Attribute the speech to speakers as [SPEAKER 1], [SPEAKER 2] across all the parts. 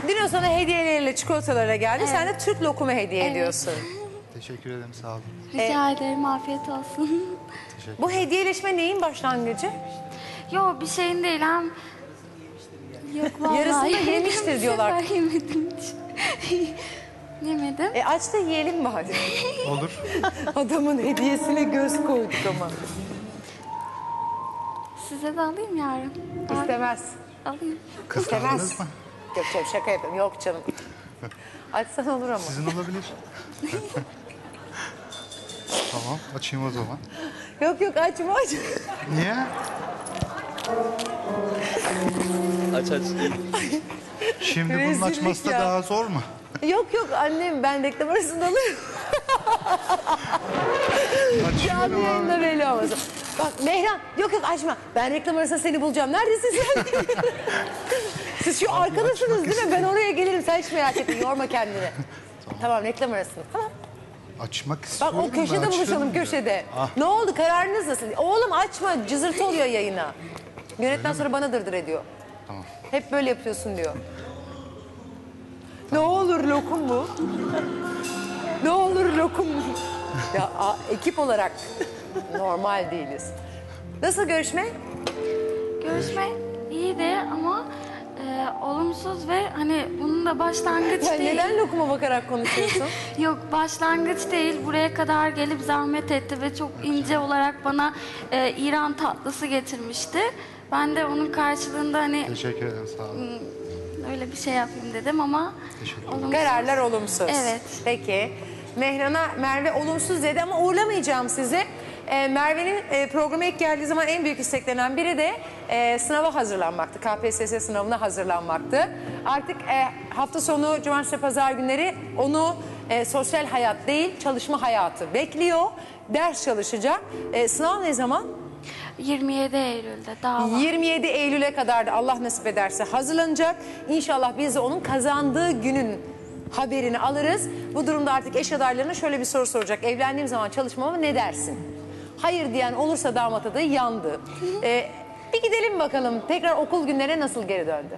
[SPEAKER 1] Dino sana hediyeleriyle çikolatalara geldi. Evet. Sen de Türk lokumu hediye ediyorsun.
[SPEAKER 2] Teşekkür ederim, sağ olun.
[SPEAKER 3] Rica ederim, afiyet olsun.
[SPEAKER 1] Bu hediyeleşme neyin başlangıcı?
[SPEAKER 3] Yok, bir şeyin değil hem. Yok vallahi.
[SPEAKER 1] Yarısını yemiştir diyorlar.
[SPEAKER 3] Bu sefer yemedim hiç. Yemedim.
[SPEAKER 1] Aç da yiyelim mi hadi?
[SPEAKER 2] Olur.
[SPEAKER 1] Adamın hediyesine göz koyduk ama.
[SPEAKER 3] Size de alayım yarın.
[SPEAKER 1] İstemez.
[SPEAKER 3] Alayım.
[SPEAKER 2] Kıskandınız mı?
[SPEAKER 1] Yok canım, şaka yapıyorum. Yok canım. Açsan olur ama.
[SPEAKER 2] Sizin olabilir. Tamam, açayım o zaman.
[SPEAKER 1] Yok açma aç.
[SPEAKER 2] Niye?
[SPEAKER 4] Aç.
[SPEAKER 2] Şimdi bunun
[SPEAKER 1] Rezillik
[SPEAKER 2] açması da
[SPEAKER 1] ya.
[SPEAKER 2] daha zor mu?
[SPEAKER 1] Yok annem, ben reklam arasında alırım.
[SPEAKER 2] Açıyorum
[SPEAKER 1] Canlı yayında
[SPEAKER 2] abi.
[SPEAKER 1] belli olmasın. Bak Mehran, yok açma. Ben reklam arasında seni bulacağım. Neredesin sen? Siz şu arkadasınız değil mi? Ben oraya gelirim. Sen hiç merak etme. Yorma kendini. Tamam reklam arasında. Tamam.
[SPEAKER 2] Açmak
[SPEAKER 1] Bak
[SPEAKER 2] istiyorum.
[SPEAKER 1] o köşede
[SPEAKER 2] da
[SPEAKER 1] buluşalım,
[SPEAKER 2] açıyorum ya.
[SPEAKER 1] köşede.
[SPEAKER 2] Ah.
[SPEAKER 1] Ne oldu? Kararınız nasıl? Oğlum açma. Cızırtı oluyor yayına. Yönetmen sonra bana dırdır ediyor.
[SPEAKER 2] Tamam.
[SPEAKER 1] Hep böyle yapıyorsun diyor. Ne olur lokum bu. Ne olur lokum bu. Ya ekip olarak normal değiliz. Nasıl görüşme?
[SPEAKER 3] Görüşme iyiydi ama olumsuz ve hani bunun da başlangıç
[SPEAKER 1] Sen
[SPEAKER 3] değil.
[SPEAKER 1] neden lokuma bakarak konuşuyorsun?
[SPEAKER 3] Yok, başlangıç değil. Buraya kadar gelip zahmet etti ve çok ince olarak bana İran tatlısı getirmişti. Ben de onun karşılığında hani
[SPEAKER 2] Teşekkür ederim, sağ olun.
[SPEAKER 3] öyle bir şey yapayım dedim ama
[SPEAKER 2] Teşekkür ederim.
[SPEAKER 3] olumsuz.
[SPEAKER 1] Kararlar olumsuz.
[SPEAKER 3] Evet.
[SPEAKER 1] Peki. Mehran'a Merve olumsuz dedi ama uğurlamayacağım sizi. Merve'nin programa ilk geldiği zaman en büyük isteklerinden biri de sınava hazırlanmaktı. KPSS sınavına hazırlanmaktı. Artık hafta sonu, cumartesi, pazar günleri onu sosyal hayat değil, çalışma hayatı bekliyor. Ders çalışacak. Sınav ne zaman?
[SPEAKER 3] 27 Eylül'de daha var.
[SPEAKER 1] 27 Eylül'e kadar da Allah nasip ederse hazırlanacak. İnşallah biz de onun kazandığı günün haberini alırız. Bu durumda artık eş adaylarına şöyle bir soru soracak. Evlendiğim zaman çalışmama ne dersin? Hayır diyen olursa damat adayı yandı. Bir gidelim bakalım. Tekrar okul günlerine nasıl geri döndü?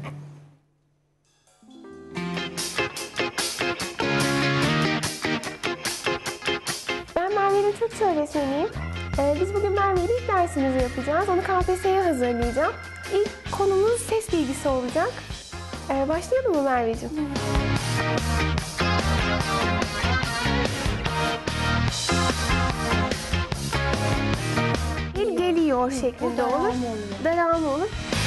[SPEAKER 5] Ben Merve'nin Türkçe öğretmeniyim. Biz bugün Merve'yle ilk dersimizi yapacağız. Onu KPSS'ye hazırlayacağım. İlk konumuz ses bilgisi olacak. Başlayalım mı Merveciğim? Bir geliyor şeklinde olur. Devamı olur.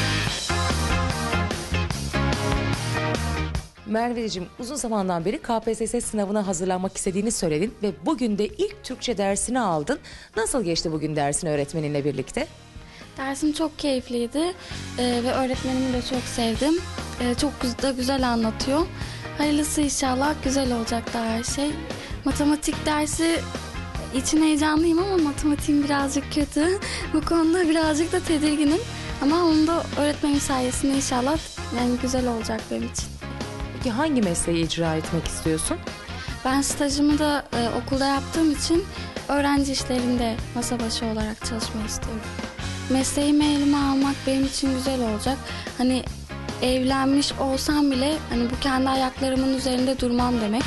[SPEAKER 6] Merveciğim, uzun zamandan beri KPSS sınavına hazırlanmak istediğini söyledin ve bugün de ilk Türkçe dersini aldın. Nasıl geçti bugün dersin öğretmeninle birlikte?
[SPEAKER 3] Dersim çok keyifliydi ve öğretmenimi de çok sevdim. Çok da güzel anlatıyor. Hayırlısı inşallah, güzel olacak da her şey. Matematik dersi için heyecanlıyım ama matematiğim birazcık kötü. Bu konuda birazcık da tedirginim. Ama onu da öğretmenim sayesinde inşallah yani güzel olacak benim için.
[SPEAKER 6] Peki hangi mesleği icra etmek istiyorsun?
[SPEAKER 3] Ben stajımı da okulda yaptığım için öğrenci işlerinde masa başı olarak çalışmayı istiyorum. Mesleğimi elime almak benim için güzel olacak. Hani evlenmiş olsam bile hani bu kendi ayaklarımın üzerinde durmam demek.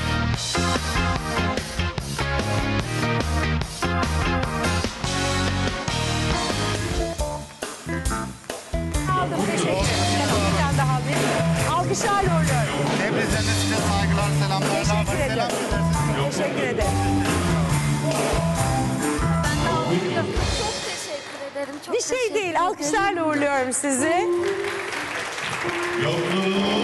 [SPEAKER 1] Aldım, teşekkür ederim. Bir tane daha alayım. Alkışlarla uğurluyorum.
[SPEAKER 2] Tebrizlerine size saygılar, selamlar.
[SPEAKER 1] Teşekkür ederim. Teşekkür ederim.
[SPEAKER 3] Çok teşekkür ederim. Çok
[SPEAKER 1] Bir şey değil, alkışlarla uğurluyorum sizi.
[SPEAKER 7] Yokluğun